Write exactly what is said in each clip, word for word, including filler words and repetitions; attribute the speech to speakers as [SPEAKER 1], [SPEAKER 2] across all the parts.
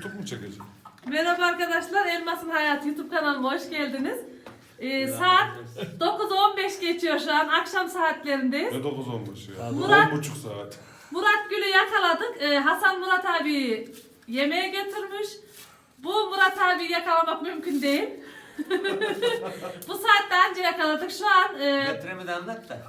[SPEAKER 1] YouTube mu çekeceğim?
[SPEAKER 2] Merhaba arkadaşlar, Elmas'ın Hayatı YouTube kanalıma hoş geldiniz. Ee, saat dokuz on beş geçiyor şu an, akşam saatlerindeyiz.
[SPEAKER 1] Ne dokuz olmuş ya?
[SPEAKER 2] Murat-
[SPEAKER 1] on buçuk saat.
[SPEAKER 2] Murat Gül'ü yakaladık. Ee, Hasan Murat abi yemeğe götürmüş. Bu Murat abi yakalamak mümkün değil. Bu saatte anca yakaladık. Şu an e,
[SPEAKER 3] Metremi de anlat da.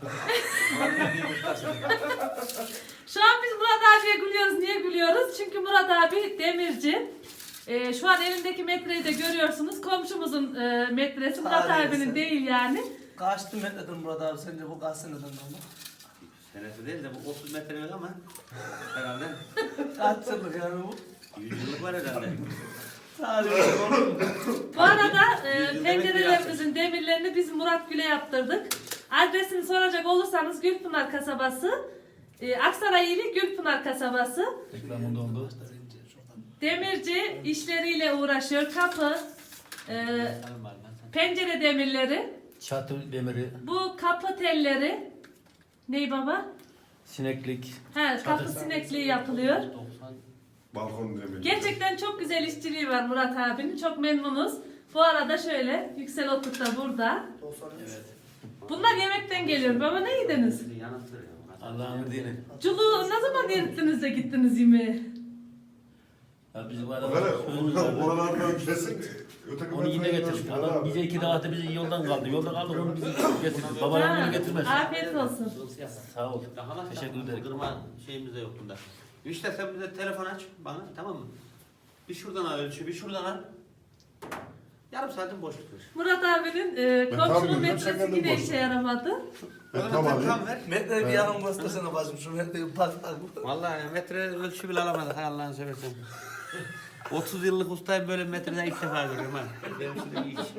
[SPEAKER 2] şu an biz Murat abiye gülüyoruz. Niye gülüyoruz? Çünkü Murat abi demirci. E, şu an elindeki metreyi de görüyorsunuz. Komşumuzun e, metresi Murat
[SPEAKER 4] Harika.
[SPEAKER 2] abinin değil yani.
[SPEAKER 4] Kaçtı metredir Murat abi sence bu kaç seneden ama?
[SPEAKER 3] Senesi değil de bu otuz metrelik ama herhalde
[SPEAKER 4] Kaç yıllık yani bu?
[SPEAKER 3] yüz yıllık var herhalde.
[SPEAKER 4] Sadece oğlum.
[SPEAKER 2] Bu arada e,
[SPEAKER 3] Yüz yıl
[SPEAKER 2] pencerelerimizin demirlerini biz Murat Gül'e yaptırdık. Adresini soracak olursanız Gülpınar kasabası. E, Aksaray ili Gülpınar kasabası.
[SPEAKER 5] Reklamında oldu.
[SPEAKER 2] Demirci işleriyle uğraşıyor. Kapı, e, pencere demirleri,
[SPEAKER 5] Çatı demiri,
[SPEAKER 2] bu kapı telleri. Ney baba?
[SPEAKER 5] sineklik.
[SPEAKER 2] He, kapı sinekliği yapılıyor.
[SPEAKER 3] doksan
[SPEAKER 1] Balkon demir.
[SPEAKER 2] Gerçekten çok güzel işçiliği var Murat abinin. Çok memnunuz. Bu arada şöyle, Yüksel Otuk da burada.
[SPEAKER 4] doksan üç.
[SPEAKER 3] Evet.
[SPEAKER 2] Bunlar yemekten geliyor. Baba ne yediniz?
[SPEAKER 3] Bizi yanıltır ya.
[SPEAKER 5] Allah'ın dini.
[SPEAKER 2] Culuğu ne zaman erittiniz de gittiniz yemeğe?
[SPEAKER 5] Ya bizim
[SPEAKER 1] Böyle
[SPEAKER 5] adamlar sözümüz vardı.
[SPEAKER 1] oralardan kesin. Öteki
[SPEAKER 5] Onu yine
[SPEAKER 1] metreye
[SPEAKER 5] getirdik.
[SPEAKER 1] göster
[SPEAKER 5] Adam
[SPEAKER 1] abi.
[SPEAKER 5] bize iki dağıtı bizi yoldan kaldı. Yoldan kaldı onu bizi getirdi. Babalar
[SPEAKER 2] Ha,
[SPEAKER 5] bunu getirmez.
[SPEAKER 2] afiyet olsun.
[SPEAKER 5] Sağ ol.
[SPEAKER 3] Daha
[SPEAKER 5] Teşekkür ederim.
[SPEAKER 3] Kırma şeyimiz de yok bunda. İşte sen bize telefon aç bana, tamam mı? Bir şuradan al ölçü, bir şuradan al. Yarım saatin boşluk ver.
[SPEAKER 2] Murat abinin e,
[SPEAKER 1] Ben tam
[SPEAKER 2] komşunun
[SPEAKER 1] bilmiyorum,
[SPEAKER 2] metresi
[SPEAKER 1] sen
[SPEAKER 2] yine
[SPEAKER 1] kendin
[SPEAKER 2] işe yaramadı.
[SPEAKER 1] Ben
[SPEAKER 3] Bana
[SPEAKER 1] tam
[SPEAKER 3] tam,
[SPEAKER 1] alayım.
[SPEAKER 3] tam ver.
[SPEAKER 4] Metreyi bir yakın göstersene bacım şu metreyi bir bak bak.
[SPEAKER 3] Vallahi yani metre ölçü bile alamadık, hay Allah'ını seversen. otuz yıllık ustayım, böyle metreden ilk defa görüyorum ha. Benim için de iyi iş.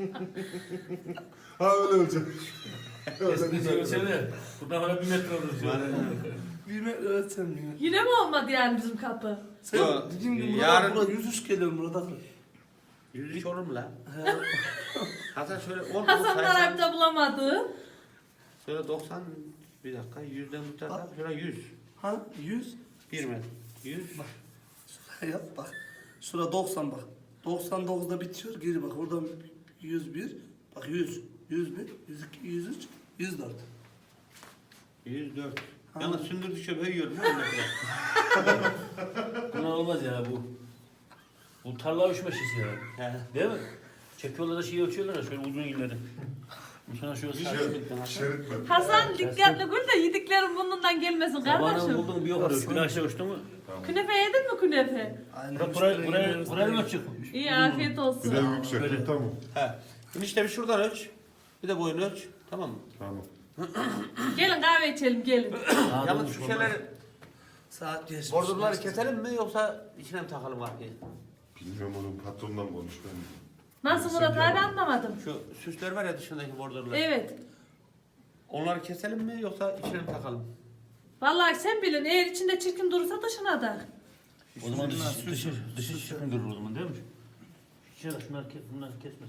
[SPEAKER 1] Ha öyle olacak.
[SPEAKER 5] Eski söylesene. Buradan bana bir metre olur diyor.
[SPEAKER 4] Bir metre ölçsem yine.
[SPEAKER 2] Yine mi olmadı yani bizim kapı?
[SPEAKER 4] Sen
[SPEAKER 3] Yo,
[SPEAKER 4] dediğin gibi Murat
[SPEAKER 3] yarın-
[SPEAKER 4] abi burada yüz üç geliyor Murat abi.
[SPEAKER 3] yüz üç olur mu lan?
[SPEAKER 4] He.
[SPEAKER 3] Hatta şöyle on
[SPEAKER 2] Hasanlar
[SPEAKER 3] saysam,
[SPEAKER 2] abi de bulamadı.
[SPEAKER 3] şöyle doksan, bir dakika, yüzden bu tarafa, şöyle yüz.
[SPEAKER 4] Ha yüz.
[SPEAKER 3] Bir metre. yüz.
[SPEAKER 4] Bak. Şuraya yap bak. Şura doksan bak. doksan dokuzda bitiyor geri bak. Oradan yüz bir. Bak yüz. yüz bir. yüz iki. yüz üç. yüz dört.
[SPEAKER 3] yüz dört.
[SPEAKER 4] Ha.
[SPEAKER 3] Yalnız sündürdükçe büyüyorum. Ha, metre.
[SPEAKER 5] Bunlar olmaz ya bu. Bu tarla uçma şişi ya.
[SPEAKER 3] He.
[SPEAKER 5] Değil mi? Çekiyorlar da şey ölçüyorlar ya şöyle uzun illeri. Bu sana şöyle
[SPEAKER 3] Bir
[SPEAKER 5] sağ.
[SPEAKER 3] şey bitmedi.
[SPEAKER 1] Şerit mi?
[SPEAKER 2] Hasan dikkatli gül de yediklerin burnundan gelmesin
[SPEAKER 5] Sabahına
[SPEAKER 2] kardeşim.
[SPEAKER 5] buldun bir yok arıyor. Gün aşağı uçtun mu?
[SPEAKER 2] Künefe yedin mi künefe?
[SPEAKER 4] Aynen.
[SPEAKER 5] Buraya buraya buraya buraya mı açık?
[SPEAKER 2] İyi afiyet
[SPEAKER 1] Bir
[SPEAKER 2] olsun.
[SPEAKER 1] de yüksek.
[SPEAKER 5] Böyle.
[SPEAKER 1] Tamam.
[SPEAKER 3] He. Şimdi işte bir şuradan ölç. Bir de boyunu ölç. Tamam mı?
[SPEAKER 1] Tamam.
[SPEAKER 2] Gelin kahve içelim gelin.
[SPEAKER 3] Yalnız şu şeyleri,
[SPEAKER 4] Saat geçmiş.
[SPEAKER 3] bordurları keselim mi yoksa içine mi takalım arkaya?
[SPEAKER 1] Bilmiyorum onun patronundan konuş ben.
[SPEAKER 2] Nasıl Murat abi anlamadım.
[SPEAKER 3] Şu süsler var ya dışındaki bordurlar.
[SPEAKER 2] Evet.
[SPEAKER 3] Onları keselim mi yoksa içine mi takalım?
[SPEAKER 2] Vallahi sen bilin eğer içinde çirkin durursa dışına da.
[SPEAKER 5] O zaman dışı dışı dışı çıkın durur o zaman değil mi? Şöyle şunları kes, bunları kesmez.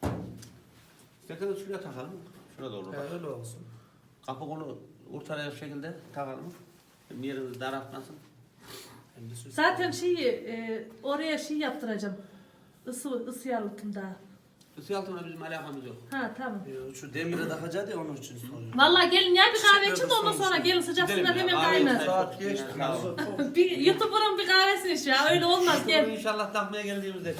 [SPEAKER 3] İsterseniz şuraya takalım. Şurada olur.
[SPEAKER 4] He,
[SPEAKER 3] Bak.
[SPEAKER 4] öyle olsun.
[SPEAKER 3] Kapı kolu ortaya şekilde takalım. Hem yerimiz daraltmasın.
[SPEAKER 4] Hem de süs.
[SPEAKER 2] Zaten şeyi e, oraya şey yaptıracağım. Isı, ısı yalıtımda.
[SPEAKER 3] Isı altına bizim alakamız yok.
[SPEAKER 2] Ha tamam.
[SPEAKER 4] Yo, Şu demire takacağız ya onun için soruyorum.
[SPEAKER 2] Vallahi gelin ya bir kahve için de
[SPEAKER 4] Teşekkür
[SPEAKER 2] ondan
[SPEAKER 4] ederim.
[SPEAKER 2] sonra gelin sıcak
[SPEAKER 3] Gidelim
[SPEAKER 2] suda
[SPEAKER 3] ya,
[SPEAKER 2] hemen
[SPEAKER 3] kahve
[SPEAKER 2] kaynar.
[SPEAKER 3] içelim.
[SPEAKER 4] Saat geçti.
[SPEAKER 3] Sağ ol.
[SPEAKER 2] Bir YouTuber'ın bir kahvesini iç ya öyle olmaz
[SPEAKER 3] Bunu
[SPEAKER 2] gel.
[SPEAKER 3] inşallah takmaya geldiğimizde.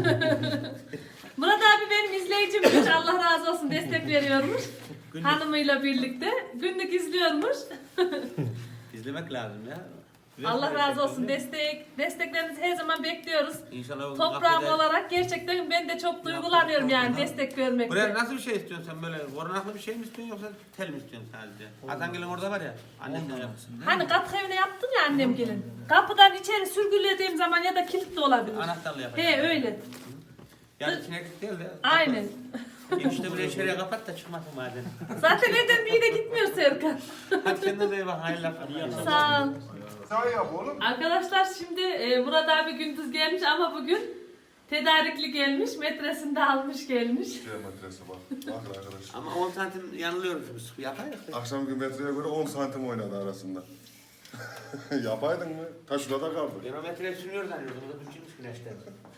[SPEAKER 2] Murat abi benim izleyicimmiş Allah razı olsun destek veriyormuş.
[SPEAKER 3] Günlük.
[SPEAKER 2] Hanımıyla birlikte günlük izliyormuş.
[SPEAKER 3] İzlemek lazım ya.
[SPEAKER 2] Allah razı olsun destek desteklerinizi her zaman bekliyoruz.
[SPEAKER 3] İnşallah o
[SPEAKER 2] Toprağım
[SPEAKER 3] kafede-
[SPEAKER 2] olarak gerçekten ben de çok duygulanıyorum yani destek
[SPEAKER 3] Buraya
[SPEAKER 2] vermekte.
[SPEAKER 3] nasıl bir şey istiyorsun sen böyle? Korunaklı bir şey mi istiyorsun yoksa tel mi istiyorsun sadece? Atangil'in orada var ya. Annenden yapsın.
[SPEAKER 2] Hani kapı evine yaptım ya annem gelin. Kapıdan içeri sürgülediğim zaman ya da kilitli olabilir.
[SPEAKER 3] Anahtarla yapacağım.
[SPEAKER 2] He öyle.
[SPEAKER 3] Yani kineklik değil de.
[SPEAKER 2] Aynen.
[SPEAKER 3] İşte buraya içeriye kapat da çıkmasın madem.
[SPEAKER 2] Zaten evden bir yere gitmiyor Serkan.
[SPEAKER 3] Hadi kendinize iyi bakın. Hayırlı akşamlar.
[SPEAKER 2] Sağ ol.
[SPEAKER 1] Sen yap oğlum.
[SPEAKER 2] Arkadaşlar şimdi e, Murat abi gündüz gelmiş ama bugün tedarikli gelmiş. Metresini de almış gelmiş.
[SPEAKER 1] Geometresi bak. Bak arkadaş.
[SPEAKER 3] Ama on santim yanılıyoruz biz. Yapar ya.
[SPEAKER 1] Akşamki metreye göre on santim oynadı arasında. Yapaydın mı? Ta şurada kaldı.
[SPEAKER 3] Geometriye sürüyor zannediyordum. O da düşürmüş güneşten.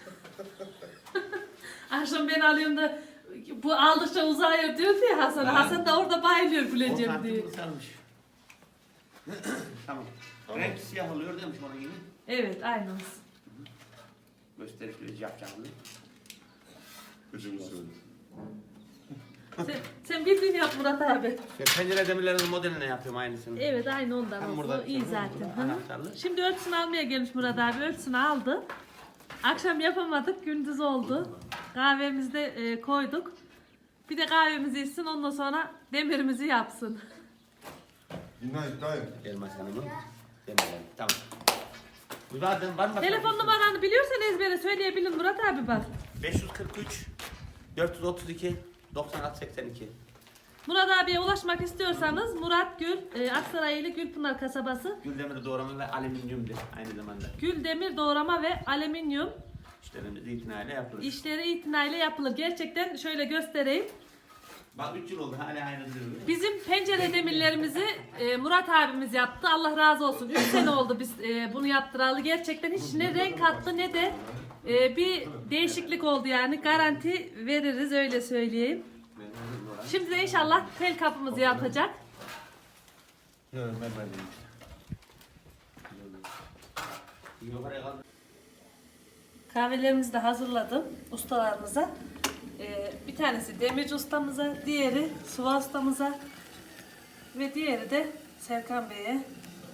[SPEAKER 2] Akşam ben alıyorum da bu aldıkça uzayıyor diyordu ya Hasan.
[SPEAKER 3] Ha.
[SPEAKER 2] Hasan da orada bayılıyor
[SPEAKER 3] on
[SPEAKER 2] güleceğim diye.
[SPEAKER 3] santim kısalmış. Tamam.
[SPEAKER 1] Tamam.
[SPEAKER 3] Renk siyah oluyor demiş onun gibi.
[SPEAKER 2] Evet aynı olsun.
[SPEAKER 3] Gösterişli yapacağım.
[SPEAKER 1] Üçümüz söyle.
[SPEAKER 2] Sen, sen bildiğini yap Murat abi.
[SPEAKER 3] İşte pencere demirlerinin modeline yapıyorum aynısını.
[SPEAKER 2] Evet aynı ondan
[SPEAKER 3] Hem
[SPEAKER 2] olsun.
[SPEAKER 3] burada
[SPEAKER 2] O iyi
[SPEAKER 3] açıyorum,
[SPEAKER 2] zaten.
[SPEAKER 3] burada
[SPEAKER 2] Hı hı.
[SPEAKER 3] anahtarlı.
[SPEAKER 2] Şimdi ölçüsünü almaya gelmiş Murat abi. Ölçüsünü aldı. Akşam yapamadık. Gündüz oldu. Kahvemizi de e, koyduk. Bir de kahvemizi içsin. Ondan sonra demirimizi yapsın.
[SPEAKER 1] İnayet dayım.
[SPEAKER 3] Elmas Hanım'ın demirleri. Tamam. Bu zaten var mı?
[SPEAKER 2] Telefon numaranı biliyorsan ezbere söyleyebilin Murat abi bak.
[SPEAKER 3] beş yüz kırk üç dört yüz otuz iki doksan altı seksen iki.
[SPEAKER 2] Murat abiye ulaşmak istiyorsanız Murat Gül, e, Aksaraylı Gülpınar kasabası.
[SPEAKER 3] Güldemir doğrama ve alüminyumdur aynı zamanda.
[SPEAKER 2] Gül demir doğrama ve alüminyum
[SPEAKER 3] İşlerimiz itinayla yapılır.
[SPEAKER 2] işleri itinayla yapılır. Gerçekten şöyle göstereyim.
[SPEAKER 3] Bak üç yıl oldu hala aynı duruyor.
[SPEAKER 2] Bizim pencere demirlerimizi e, Murat abimiz yaptı. Allah razı olsun. üç sene oldu biz e, bunu yaptıralı. Gerçekten hiç ne renk kattı ne de e, bir değişiklik oldu yani. Garanti veririz öyle söyleyeyim. Şimdi de inşallah tel kapımızı yapacak.
[SPEAKER 3] Yok ben verdim işte. Yok oraya kaldı.
[SPEAKER 2] Kahvelerimizi de hazırladım ustalarımıza. Ee, bir tanesi demirci ustamıza, diğeri Suva ustamıza ve diğeri de Serkan Bey'e.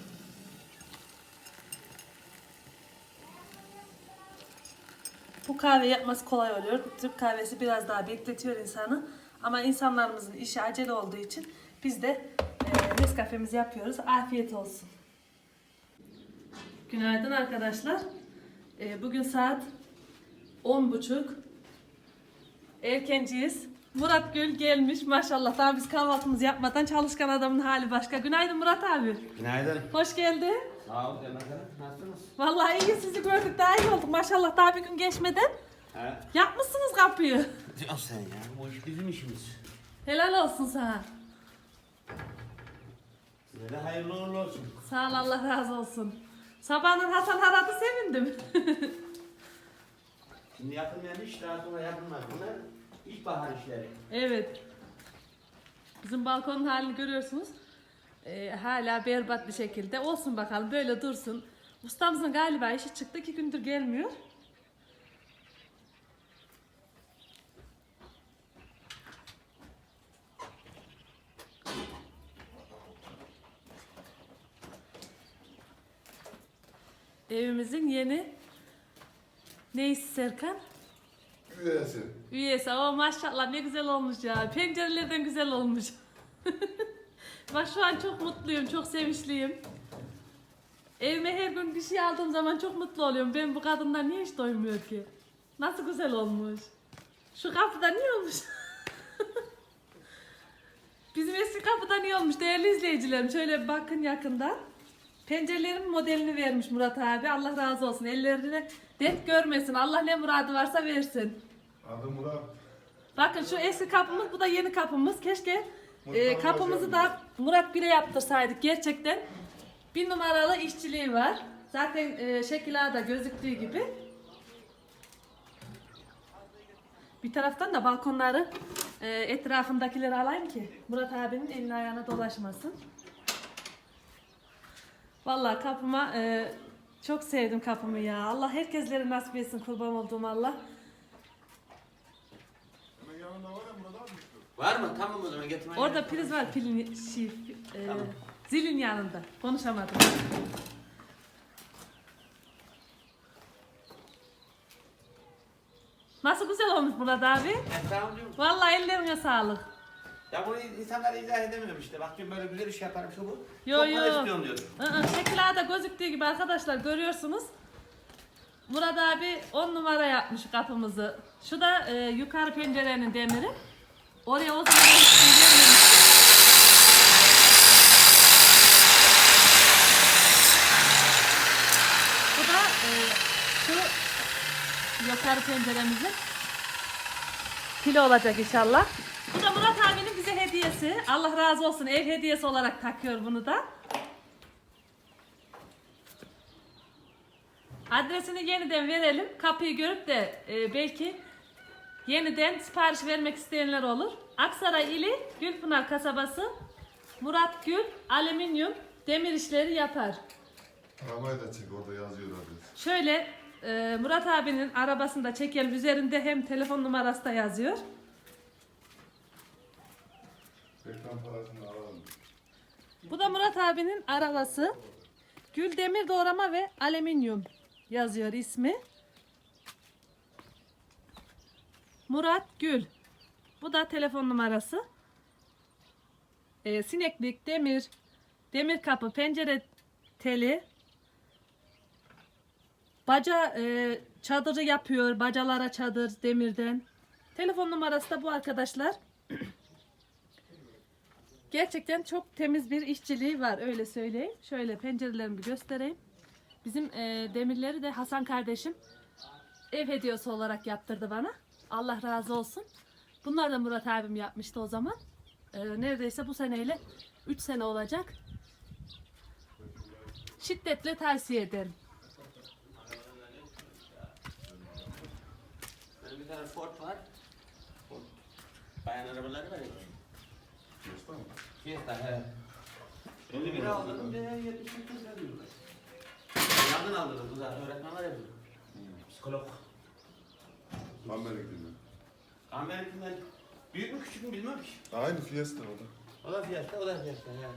[SPEAKER 2] Bu kahve yapması kolay oluyor. Türk kahvesi biraz daha bekletiyor insanı. Ama insanlarımızın işi acele olduğu için biz de e, Nescafe'mizi yapıyoruz. Afiyet olsun. Günaydın arkadaşlar. E, bugün saat on buçuk. Erkenciyiz. Murat Gül gelmiş maşallah. Daha biz kahvaltımızı yapmadan çalışkan adamın hali başka. Günaydın Murat abi.
[SPEAKER 3] Günaydın.
[SPEAKER 2] Hoş geldin.
[SPEAKER 3] Sağ ol Elmas Hanım. Nasılsınız?
[SPEAKER 2] Vallahi iyi sizi gördük daha iyi olduk maşallah daha bir gün geçmeden.
[SPEAKER 3] He.
[SPEAKER 2] Yapmışsınız kapıyı.
[SPEAKER 3] Diyorsun sen ya. Bu iş bizim işimiz.
[SPEAKER 2] Helal olsun sana.
[SPEAKER 3] Size de hayırlı uğurlu olsun.
[SPEAKER 2] Sağ ol Allah razı olsun. Sabahın Hasan aradı sevindim.
[SPEAKER 3] Şimdi yapılmayan iş daha sonra yapılmaz. Bunlar ilkbahar işleri.
[SPEAKER 2] Evet. Bizim balkonun halini görüyorsunuz. Ee, hala berbat bir şekilde. Olsun bakalım böyle dursun. Ustamızın galiba işi çıktı. iki gündür gelmiyor. Evimizin yeni neyse Serkan?
[SPEAKER 1] Üyesi.
[SPEAKER 2] Üyesi. O maşallah ne güzel olmuş ya. Pencerelerden güzel olmuş. Bak şu an çok mutluyum, çok sevinçliyim. Evime her gün bir şey aldığım zaman çok mutlu oluyorum. Ben bu kadından niye hiç doymuyor ki? Nasıl güzel olmuş. Şu kapıda niye olmuş? Bizim eski kapıda niye olmuş değerli izleyicilerim? Şöyle bir bakın yakından. Pencerelerin modelini vermiş Murat abi. Allah razı olsun. Ellerine dert görmesin. Allah ne muradı varsa versin.
[SPEAKER 1] Adım Murat.
[SPEAKER 2] Bakın şu eski kapımız, bu da yeni kapımız. Keşke e,
[SPEAKER 1] Murat
[SPEAKER 2] kapımızı
[SPEAKER 1] hocam.
[SPEAKER 2] da Murat Gül'e yaptırsaydık. Gerçekten bir numaralı işçiliği var. Zaten e, şekil ağda gözüktüğü gibi. Bir taraftan da balkonları e, etrafındakileri alayım ki Murat abinin elini ayağına dolaşmasın. Vallahi kapıma e, çok sevdim kapımı ya. Allah herkeslere nasip etsin, kurban olduğum Allah.
[SPEAKER 1] Hemen yanında var ya Murat abi.
[SPEAKER 3] Var mı? Tamam o zaman getirmeye.
[SPEAKER 2] Orada priz var, pilin şey, e,
[SPEAKER 3] Tamam.
[SPEAKER 2] zilin yanında. Konuşamadım. Nasıl güzel olmuş Murat abi.
[SPEAKER 3] Ben tamam diyorum.
[SPEAKER 2] Vallahi ellerine sağlık.
[SPEAKER 3] Ya bunu insanlara izah edemiyorum işte. Bak diyorum böyle güzel iş yaparım şu bu.
[SPEAKER 2] Yo,
[SPEAKER 3] Çok
[SPEAKER 2] yo.
[SPEAKER 3] para istiyorum diyorum.
[SPEAKER 2] Iı, şekil ağda gözüktüğü gibi arkadaşlar görüyorsunuz. Murat abi on numara yapmış kapımızı. Şu da e, yukarı pencerenin demiri. Oraya o zaman bu da e, şu yukarı penceremizin pili olacak inşallah. Bu da Murat abinin bize hediyesi. Allah razı olsun, ev hediyesi olarak takıyor bunu da. Adresini yeniden verelim. Kapıyı görüp de e, belki yeniden sipariş vermek isteyenler olur. Aksaray ili Gülpınar kasabası, Murat Gül alüminyum demir işleri yapar.
[SPEAKER 1] Arabayı da çek, orada yazıyor adres.
[SPEAKER 2] Şöyle e, Murat abinin arabasını da çekelim. Üzerinde hem telefon numarası da yazıyor.
[SPEAKER 1] Reklam parasını alalım.
[SPEAKER 2] Bu da Murat abinin arabası. Gül demir doğrama ve alüminyum yazıyor ismi. Murat Gül. Bu da telefon numarası. Ee, sineklik, demir, demir kapı, pencere teli, baca e, çadırı yapıyor. Bacalara çadır demirden. Telefon numarası da bu arkadaşlar. Gerçekten çok temiz bir işçiliği var, öyle söyleyeyim. Şöyle pencerelerimi bir göstereyim. Bizim e, demirleri de Hasan kardeşim ev hediyesi olarak yaptırdı bana. Allah razı olsun. Bunlar da Murat abim yapmıştı o zaman. E, neredeyse bu seneyle üç sene olacak. Şiddetle tavsiye ederim.
[SPEAKER 3] Benim bir tane Ford var. Ford. Bayan arabaları var ya.
[SPEAKER 1] Fiesta mı?
[SPEAKER 3] Fiesta he. elli bin aldım. yetmiş sekiz lira diyorlar. Yandan aldırdım kıza. Öğretmen var ya bizim. Psikolog.
[SPEAKER 1] Amerika gibi.
[SPEAKER 3] Amerika'dan büyük mü küçük mü bilmem ki.
[SPEAKER 1] Aynı Fiesta o da.
[SPEAKER 3] O da Fiesta, o da Fiesta yani.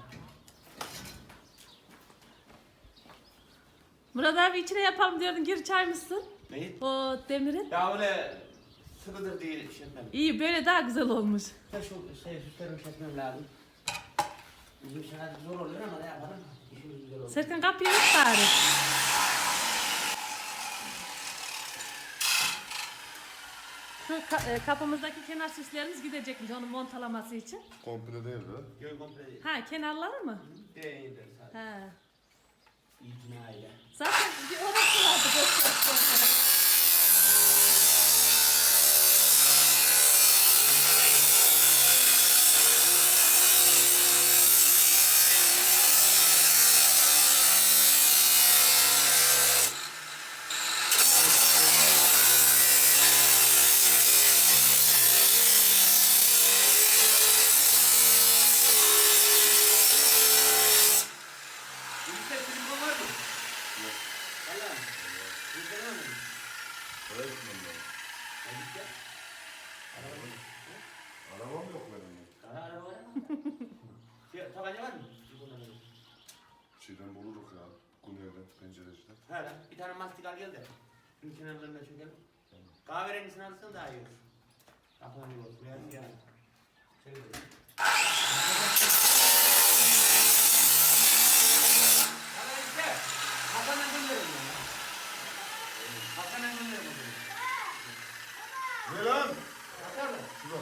[SPEAKER 2] Murat abi içine yapalım diyordun, gir çaymışsın.
[SPEAKER 3] Neyi?
[SPEAKER 2] O demirin.
[SPEAKER 3] Ya öyle sıvıdır değil bir şey etmem.
[SPEAKER 2] İyi, böyle daha güzel olmuş.
[SPEAKER 3] Ya şu şey süslerimi çekmem lazım. Bizim şeyler zor oluyor ama ne yapalım? İşimiz güzel olur.
[SPEAKER 2] Serkan kapıyı aç bari. Şu ka- e, kapımızdaki kenar süslerimiz gidecekmiş onun montalaması için.
[SPEAKER 1] Komple değil de.
[SPEAKER 3] Göl komple değil.
[SPEAKER 2] Ha, kenarları mı?
[SPEAKER 3] Değildir sadece.
[SPEAKER 2] Ha.
[SPEAKER 3] İtinayla.
[SPEAKER 2] Zaten bir orası vardı gösterisi.
[SPEAKER 3] Bilgisayar silikon var mı? Yok. Valla mı? Bilgisayar var mı?
[SPEAKER 1] Oraya gitmem lazım.
[SPEAKER 3] Ne bilgisayar? Araba mı?
[SPEAKER 1] Arabam yok benim.
[SPEAKER 3] Kara araba var mı? Şey, tabanca var mı? Silikondan öyle.
[SPEAKER 1] Şeyden buluruk ya. Güneyden, pencereciden.
[SPEAKER 3] He lan, bir tane mastik al gel de. Bunun kenarlarına çökelim. Kahverengisini alırsan daha iyi olur. Kapıdan iyi olur. Biraz yani. Şöyle de. Hadi işte. Hasan'dan gönderin ya. Hasan'dan gönderin o zaman.
[SPEAKER 1] Ne lan?
[SPEAKER 3] Hasan mı?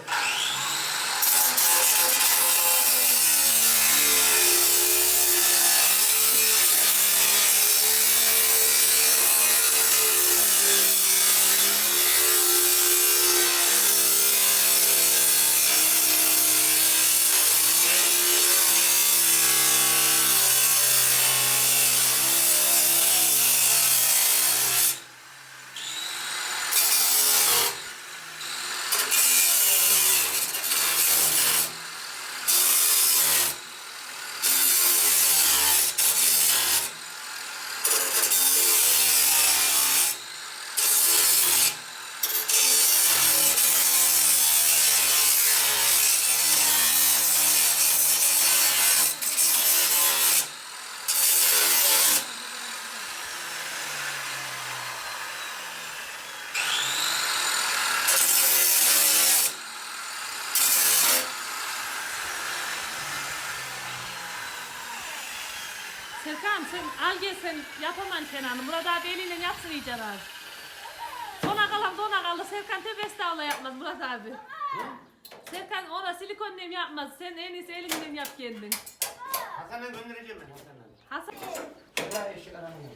[SPEAKER 2] Serkan sen al gel, sen yapaman kenarını. Murat abi eliyle yapsın iyice abi. Sona kalan dona kaldı. Serkan tövbe estağfurullah yapmaz Murat abi. Serkan ona silikon nem yapmaz. Sen en iyisi elinden yap kendin.
[SPEAKER 3] Hasan'dan göndereceğim ben Hasan'dan.
[SPEAKER 2] Hasan.
[SPEAKER 3] Şuraya eşek aramıyor.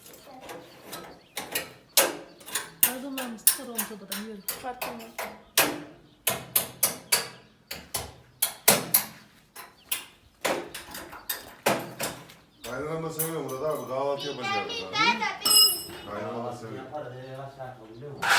[SPEAKER 2] Kazanlarımız çıkar olmuş odadan yürü.
[SPEAKER 1] Kaynanam da seviyor Murat abi. Kahvaltı yapacağız. Kaynanam seviyor.
[SPEAKER 3] Yaparız. Ee, kaç saat oldu biliyor musun?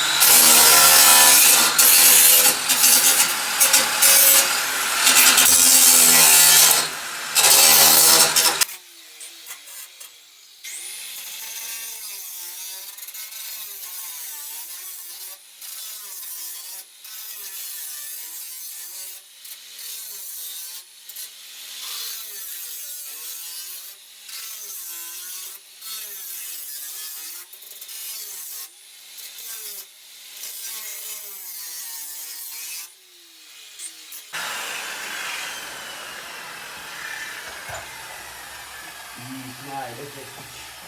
[SPEAKER 3] İtinayla kestik.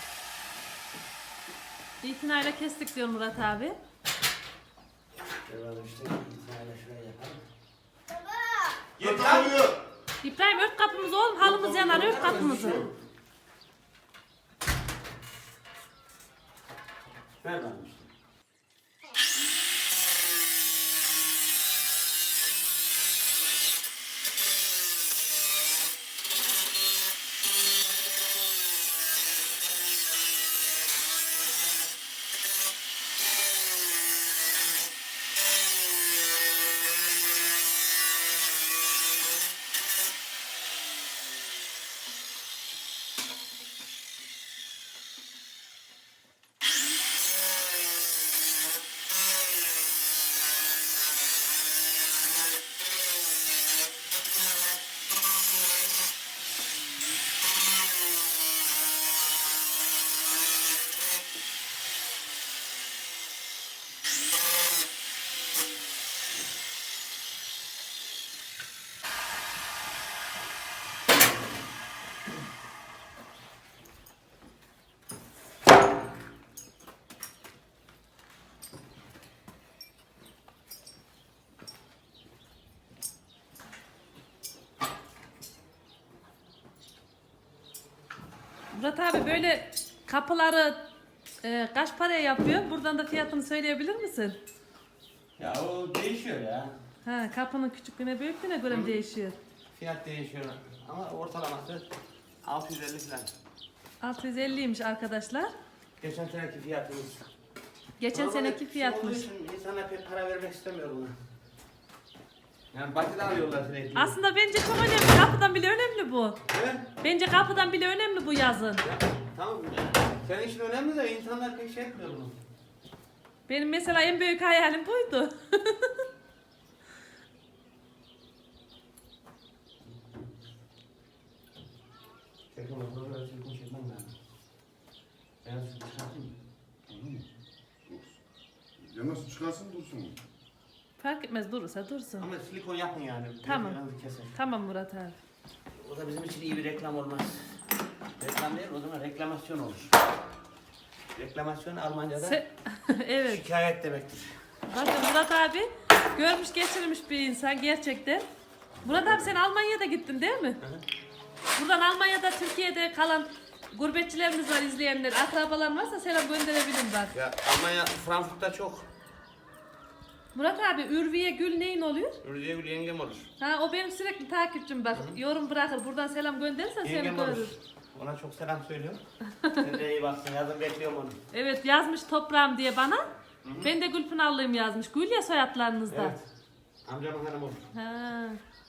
[SPEAKER 2] İtinayla kestik diyor Murat abi.
[SPEAKER 3] Devam işte itinayla şuraya yapalım.
[SPEAKER 1] Yeter.
[SPEAKER 3] Git lan!
[SPEAKER 2] İbrahim ört kapımızı oğlum, halımız yanar, ört kapımızı.
[SPEAKER 3] Ver bana işte.
[SPEAKER 2] Murat abi böyle kapıları e, kaç paraya yapıyor? Buradan da fiyatını söyleyebilir misin?
[SPEAKER 3] Ya o değişiyor ya.
[SPEAKER 2] Ha, kapının küçüklüğüne büyüklüğüne göre mi değişiyor?
[SPEAKER 3] Fiyat değişiyor ama ortalaması altı yüz elli falan.
[SPEAKER 2] altı yüz elliymiş arkadaşlar.
[SPEAKER 3] Geçen seneki fiyatımız.
[SPEAKER 2] Geçen
[SPEAKER 3] Ama
[SPEAKER 2] seneki
[SPEAKER 3] böyle
[SPEAKER 2] fiyatmış.
[SPEAKER 3] şey olduğu için İnsanlar pek para vermek istemiyor buna. Yani batıda alıyorlar sürekli.
[SPEAKER 2] Aslında bence çok önemli. Kapıdan bile önemli bu.
[SPEAKER 3] Evet.
[SPEAKER 2] Bence kapıdan bile önemli bu yazın.
[SPEAKER 3] Ya, tamam. Senin için önemli de insanlar pek şey etmiyor bunu.
[SPEAKER 2] Benim mesela en büyük hayalim buydu.
[SPEAKER 3] Çekim olur, öyle çekim çekmem lazım. Ben şu çıkartayım.
[SPEAKER 1] Anladın mı? Dursun. Ya nasıl çıkarsın dursun.
[SPEAKER 2] Fark etmez, durursa dursun.
[SPEAKER 3] Ama silikon yapın yani.
[SPEAKER 2] Tamam.
[SPEAKER 3] Biraz keser.
[SPEAKER 2] Tamam Murat abi.
[SPEAKER 3] O da bizim için iyi bir reklam olmaz. Reklam değil, o zaman reklamasyon olur. Reklamasyon Almanca'da
[SPEAKER 2] Se evet.
[SPEAKER 3] şikayet demektir.
[SPEAKER 2] Bakın Murat abi görmüş geçirmiş bir insan gerçekten. Murat abi sen Almanya'da gittin değil mi?
[SPEAKER 3] Hı hı.
[SPEAKER 2] Buradan Almanya'da, Türkiye'de kalan gurbetçilerimiz var, izleyenler. Akrabalar varsa selam gönderebilirim bak.
[SPEAKER 3] Ya Almanya, Frankfurt'ta çok.
[SPEAKER 2] Murat abi Ürviye Gül neyin oluyor?
[SPEAKER 3] Ürüye Gül yengem olur.
[SPEAKER 2] Ha o benim sürekli takipçim bak. Yorum bırakır. Buradan selam gönderirsen seni
[SPEAKER 3] Yengem
[SPEAKER 2] görür.
[SPEAKER 3] olur. Ona çok selam söylüyorum. Sen de iyi baksın, yazın bekliyorum onu.
[SPEAKER 2] Evet yazmış toprağım diye bana. Ben de Gülpınarlıyım yazmış. Gül ya soyadlarınızda.
[SPEAKER 3] Evet. Amcamın hanım olur.
[SPEAKER 2] Ha.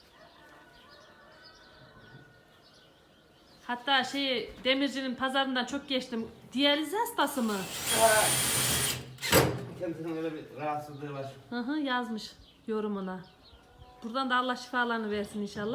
[SPEAKER 2] Hatta şey demircinin pazarından çok geçtim. Diyaliz hastası mı?
[SPEAKER 3] Kendisinin öyle bir rahatsızlığı var.
[SPEAKER 2] Hı hı yazmış yorumuna. Buradan da Allah şifalarını versin inşallah.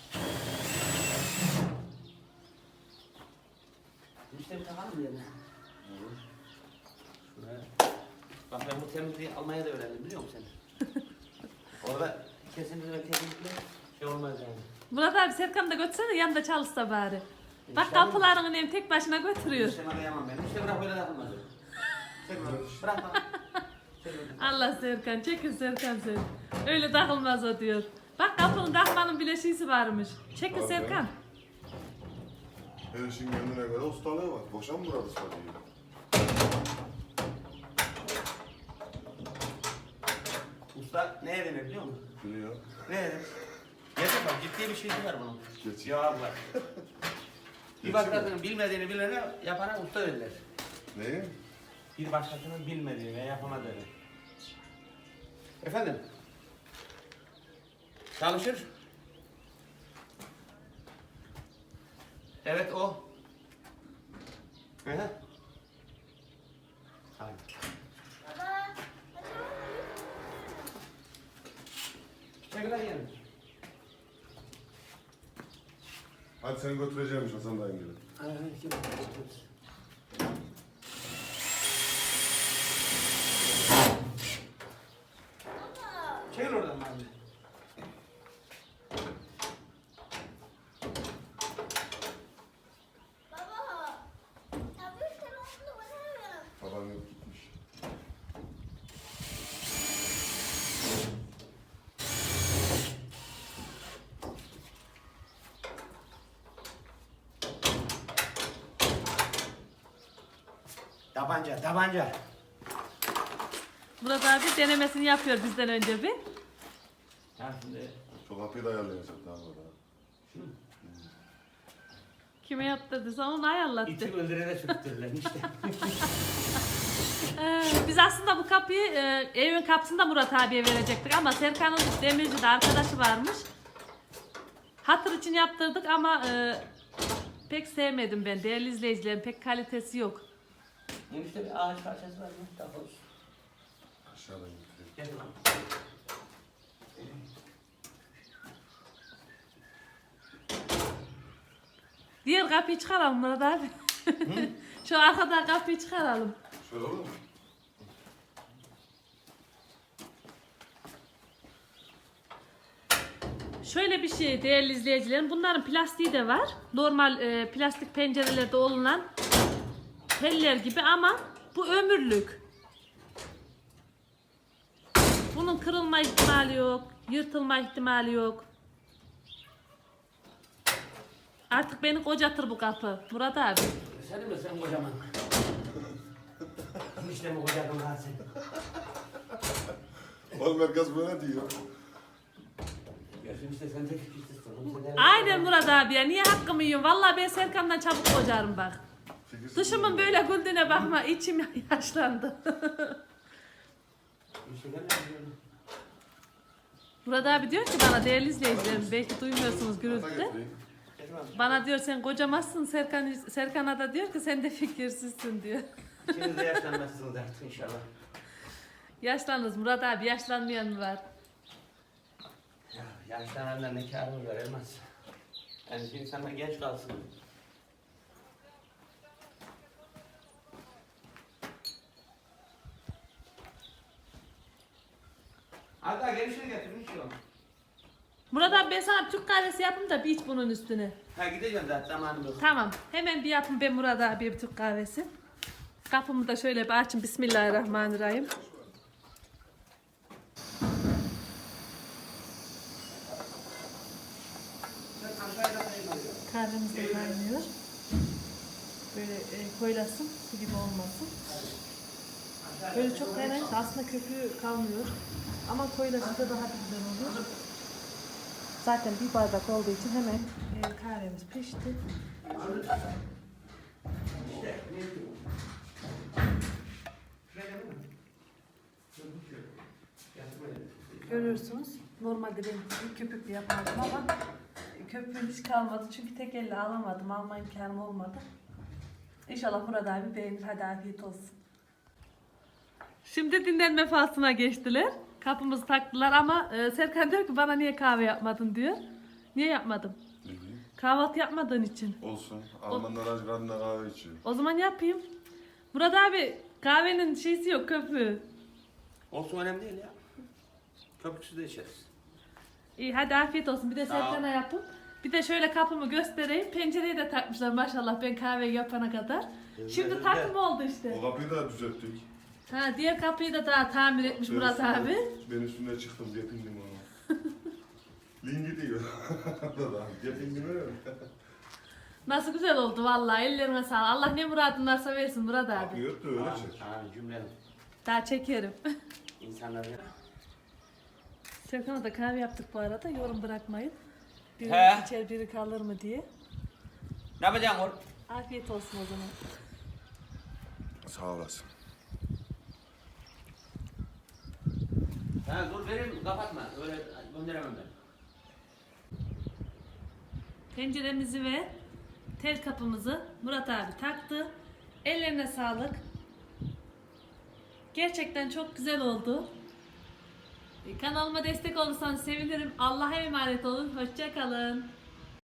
[SPEAKER 3] İşte bir takalım mı yerine? Şuraya. Bak ben bu temizliği Almanya'da öğrendim biliyor musun sen? Orada kesinlikle kesinlikle şey olmaz yani.
[SPEAKER 2] Murat abi Serkan'ı da götürsene yanında çalışsa bari. Bak
[SPEAKER 3] İnşallah.
[SPEAKER 2] kapılarını hem tek başına götürüyor.
[SPEAKER 3] İşte arayamam ben. İşte bırak öyle takılmaz. Çek bırak. Bırak bak. Çek bırak.
[SPEAKER 2] Allah Serkan çekin Serkan sen. Öyle takılmaz o diyor. Bak kapının takmanın bile şeysi varmış. Çekin
[SPEAKER 1] Abi.
[SPEAKER 2] Serkan.
[SPEAKER 1] Her işin kendine göre ustalığı var. Boşa mı burada usta değil?
[SPEAKER 3] Usta neye denir biliyor musun?
[SPEAKER 1] Biliyor.
[SPEAKER 3] Ne denir? Gerçekten ciddi bir şeysi var bunun.
[SPEAKER 1] Geç.
[SPEAKER 3] Cevap var. Bir
[SPEAKER 1] Geçiyor.
[SPEAKER 3] bakarsın bilmediğini bilene yapana usta derler.
[SPEAKER 1] Neyi?
[SPEAKER 3] Bir başkasının bilmediği ve yapamadığı. Efendim? Çalışır. Evet o. Hı hı. Hayır. Çekil yiyelim.
[SPEAKER 1] Hadi seni götüreceğim Hasan dayım gibi.
[SPEAKER 3] Çekil oradan abi.
[SPEAKER 1] Babam yok gitmiş.
[SPEAKER 3] Tabanca, tabanca.
[SPEAKER 2] Murat abi denemesini yapıyor bizden önce bir.
[SPEAKER 3] Ya şimdi
[SPEAKER 1] Şu kapıyı da ayarlayacak daha burada.
[SPEAKER 2] Kime yaptırdıysa onu ayarlattı.
[SPEAKER 3] iti öldürene sürttürürler işte.
[SPEAKER 2] Ee, biz aslında bu kapıyı e, evin kapısında Murat abiye verecektik ama Serkan'ın demircide arkadaşı varmış. Hatır için yaptırdık ama e, pek sevmedim ben. Değerli izleyicilerim, pek kalitesi yok.
[SPEAKER 3] Enişte bir ağaç parçası var mı? Takoz.
[SPEAKER 1] Aşağıdan götüreyim.
[SPEAKER 3] Gel lan.
[SPEAKER 2] Diğer kapıyı çıkaralım Murat abi. Şu arkadan kapıyı çıkaralım.
[SPEAKER 1] Şöyle olur mu?
[SPEAKER 2] Şöyle bir şey değerli izleyicilerim. Bunların plastiği de var. Normal e, plastik pencerelerde olunan teller gibi ama bu ömürlük. Bunun kırılma ihtimali yok. Yırtılma ihtimali yok. Artık beni kocatır bu kapı. Murat abi.
[SPEAKER 3] Sen mi sen kocaman? İşte mi kocaman ha sen?
[SPEAKER 1] Oğlum herkes böyle diyor.
[SPEAKER 3] Görüşün işte sen de fikirsizsin.
[SPEAKER 2] Aynen Murat abi ya. Niye hakkımı yiyorsun? Vallahi ben Serkan'dan çabuk kocarım bak.
[SPEAKER 1] Fikirsiz
[SPEAKER 2] Dışımın
[SPEAKER 1] mi?
[SPEAKER 2] böyle güldüğüne bakma. İçim yaşlandı.
[SPEAKER 3] İşte gel
[SPEAKER 2] Murat abi diyor ki bana değerli izleyicilerim belki duymuyorsunuz
[SPEAKER 1] Hatta
[SPEAKER 2] gürültüde.
[SPEAKER 1] getireyim.
[SPEAKER 2] Bana diyor sen kocamazsın Serkan Serkan'a da diyor ki sen de fikirsizsin diyor.
[SPEAKER 3] İkiniz de yaşlanmazsınız artık inşallah.
[SPEAKER 2] Yaşlanırız Murat abi yaşlanmayan mı var?
[SPEAKER 3] Ya yaşlananlar ne kârı var Elmas. Yani şimdi insanlar genç kalsın. Hatta gelişini getirin şu an.
[SPEAKER 2] Murat abi ben sana bir Türk kahvesi yapayım da bir iç bunun üstüne.
[SPEAKER 3] Ha gideceğim zaten zamanım yok.
[SPEAKER 2] Tamam hemen bir yapın ben Murat abiye bir Türk kahvesi. Kapımı da şöyle bir açın Bismillahirrahmanirrahim. Kahvemiz de kaynıyor. Böyle e, koyulasın, su gibi olmasın. Böyle çok kaynayınca aslında köpüğü kalmıyor. Ama koyulaşınca daha bir güzel oluyor. Zaten bir bardak olduğu için hemen e, kahvemiz pişti. Görüyorsunuz. Normalde ben köpüklü yapardım ama köpüğüm hiç kalmadı. Çünkü tek elle alamadım. Alma imkanım olmadı. İnşallah Murat abi beğenir. Hadi afiyet olsun. Şimdi dinlenme faslına geçtiler. Kapımızı taktılar ama e, Serkan diyor ki bana niye kahve yapmadın diyor. Niye yapmadım?
[SPEAKER 1] Ne bileyim.
[SPEAKER 2] Kahvaltı yapmadığın için.
[SPEAKER 1] Olsun. Almanlar aç karnına kahve içiyor.
[SPEAKER 2] O zaman yapayım. Murat abi kahvenin şeysi yok köpüğü.
[SPEAKER 3] Olsun önemli değil ya. Köpüksüz de içeriz.
[SPEAKER 2] İyi hadi afiyet olsun. Bir de
[SPEAKER 3] Sağ ol.
[SPEAKER 2] Serkan'a yapın. Bir de şöyle kapımı göstereyim. Pencereyi de takmışlar maşallah ben kahve yapana kadar. Şimdi
[SPEAKER 3] Güzel.
[SPEAKER 2] takım oldu işte.
[SPEAKER 1] O kapıyı da düzelttik.
[SPEAKER 2] Ha diğer kapıyı da daha tamir etmiş Murat
[SPEAKER 1] Ben
[SPEAKER 2] abi.
[SPEAKER 1] üstüne- Ben üstüne çıktım. Gepindim onu. Lingi diyor. Gepindim öyle mi?
[SPEAKER 2] Nasıl güzel oldu vallahi ellerine sağlık. Allah ne muradın varsa versin Murat abi.
[SPEAKER 1] Kapıyı ört de öyle çek.
[SPEAKER 3] Ha cümle.
[SPEAKER 2] Daha çekerim.
[SPEAKER 3] İnsanlar ya.
[SPEAKER 2] Serkan'a da kahve yaptık bu arada. Yorum bırakmayın. Biri
[SPEAKER 3] He.
[SPEAKER 2] içer biri kalır mı diye.
[SPEAKER 3] Ne yapacaksın oğlum?
[SPEAKER 2] Afiyet olsun o zaman.
[SPEAKER 1] Sağ olasın.
[SPEAKER 3] Ha dur vereyim kapatma. Öyle gönderemem ben.
[SPEAKER 2] Penceremizi ve tel kapımızı Murat abi taktı. Ellerine sağlık. Gerçekten çok güzel oldu. Kanalıma destek olursanız sevinirim. Allah'a emanet olun. Hoşça kalın.